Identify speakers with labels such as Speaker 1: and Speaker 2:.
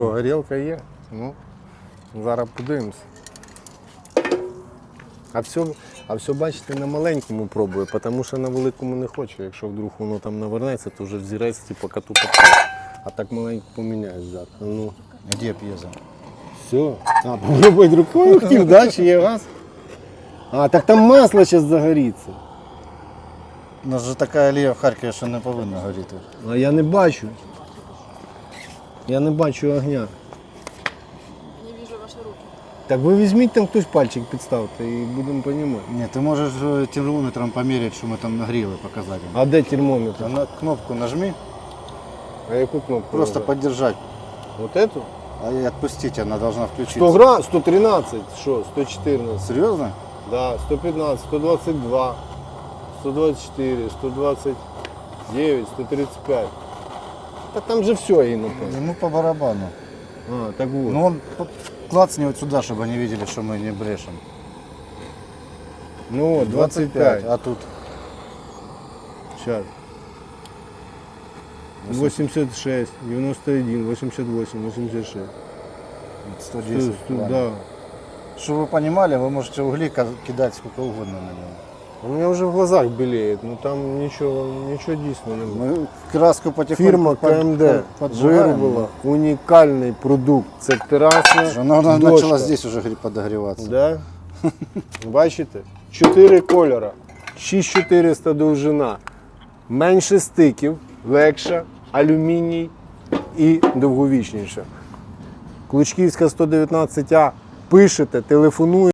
Speaker 1: Горілка є, ну, зараз подивимося. А все, бачите, на маленькому пробую, тому що на великому не хочу. Якщо вдруг воно там навернеться, то вже взірець типу коту попав. А так маленько поміняю зараз. Ну.
Speaker 2: Где пьеза?
Speaker 1: Все. А, попробуй рукою хотів, да? Чи є газ? А, так там масло зараз загоріться.
Speaker 2: У нас же така алія в Харкові, що не повинна горіти.
Speaker 1: А я не бачу. Я не бачу огня.
Speaker 3: Не вижу ваши руки.
Speaker 1: Так ви візьміть там хтось пальчик підставте і будемо розуміти.
Speaker 2: Ні, ти можеш термометром поміряти, що ми там нагріли, показати.
Speaker 1: А де термометр?
Speaker 2: На кнопку нажми,
Speaker 1: А яку кнопку?
Speaker 2: просто
Speaker 1: нажати?
Speaker 2: поддержать.
Speaker 1: Вот эту?
Speaker 2: А и отпустить, она должна включиться.
Speaker 1: 100 грамм, 113, что, 114,
Speaker 2: Серьезно?
Speaker 1: да, 115, 122, 124, 129, 135. Так там же все, и напомню.
Speaker 2: Ему по барабану.
Speaker 1: А, так вот.
Speaker 2: Но он клацни вот сюда, чтобы они видели, что мы не брешем.
Speaker 1: Ну вот, 25.
Speaker 2: А тут
Speaker 1: Сейчас. 86, 91, 88, 86.
Speaker 2: 110.
Speaker 1: Да.
Speaker 2: Чтобы вы понимали, вы можете угли кидать сколько угодно на него.
Speaker 1: У меня уже в глазах белеет, но там ничего дійсно не было.
Speaker 2: Мы краску потихоньку
Speaker 1: Фірма КМД
Speaker 2: поджигаем.
Speaker 1: виробила унікальний продукт. Це терасна
Speaker 2: Она
Speaker 1: дошка.
Speaker 2: начала здесь уже подогреваться.
Speaker 1: Да? Бачите? 4 кольора, 6400 довжина, менше стиків, легша, алюміній і довговічніша. Клучківська 119А. Пишете, телефонуєте.